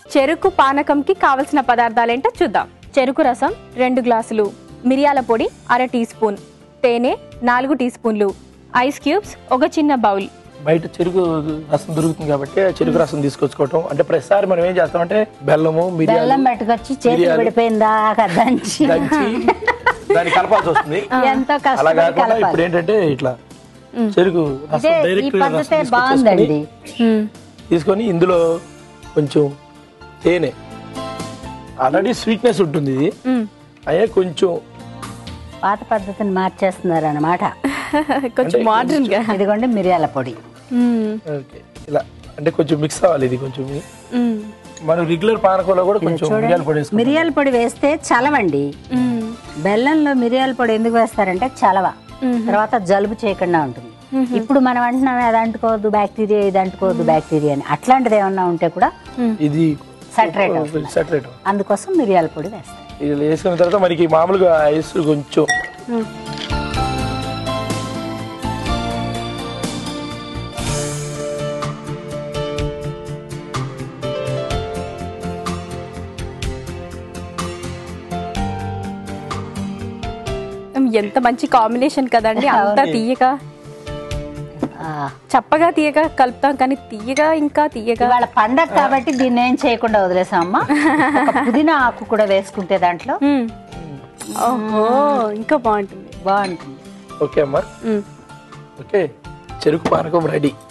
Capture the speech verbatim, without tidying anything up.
చెరుకు పానకంకి కావలసిన పదార్థాలు ఏంటో చూద్దాం. చెరుకు రసం రెండు గ్లాసులు, మిరియాల పొడి అర టీ స్పూన్, తేనె నాలుగు టీ స్పూన్లు, ఐస్ క్యూబ్స్ ఒక చిన్న బౌల్. బయట చెరుకు రసం దొరుకుతుంది కాబట్టి చెరుకు రసం తీసుకొచ్చుకోవటం. అంటే ప్రతిసారి మనం ఏం చేస్తామంటే బెల్లము బెల్లం పెట్టుకొచ్చి చేతులు పడిపోయిందా దంచి దాన్ని కలపాల్సి వస్తుంది. ఎంతో అలా కాకుండా ఇప్పుడు ఏంటంటే ఇట్లా చెరుకు రసం డైరెక్ట్ బాగుందండి. తీసుకొని ఇందులో కొంచెం తేనె, ఆల్రెడీ స్వీట్నెస్ ఉంటుంది, ఇది అయ్యే కొంచెం పాత పద్ధతిని మార్చేస్తున్నారు అన్నమాట. కొంచెం మోడర్న్ గా. ఇదిగోండి మిరియాల పొడి. ఇలా అంటే కొంచెం మిక్స్ అవ్వాలి. ఇది కొంచెం మనం రెగ్యులర్ పానకంలో కూడా కొంచెం మిరియాల పొడి వేస్తాం. మిరియాల పొడి వేస్తే చలవండి. బెల్లంలో మిరియాల పొడి ఎందుకు వేస్తారంటే చలవ, తర్వాత జలుబు చేయకుండా ఉంటుంది. ఇప్పుడు మనం అంటున్నాం అది అంటుకోవద్దు బ్యాక్టీరియా, ఇది అంటుకోవద్దు బ్యాక్టీరియా అని. అట్లాంటిది ఏమన్నా ఉంటే కూడా ఇది సెటరేట్ సెటరేట్ అందుకోసం మిరియాల పొడి వేస్తాం. ఇది వేసుకున్న తర్వాత మనకి మామూలుగా ఐస్ కొంచెం ఎంత మంచి కాంబినేషన్ కదండి. అంతా తీయగా చప్పగా తీయగా కలుపుతాం, కానీ తీయగా ఇంకా తీయగా. వాళ్ళ పండగ కాబట్టి దీన్ని ఏం చేయకుండా వదిలేసాం అమ్మా. పుదీనా ఆకు కూడా వేసుకుంటే దాంట్లో ఓహో ఇంకా బాగుంటుంది. బాగుంటుంది. ఓకే అమ్మా. ఓకే చెరుకు పానకం రెడీ.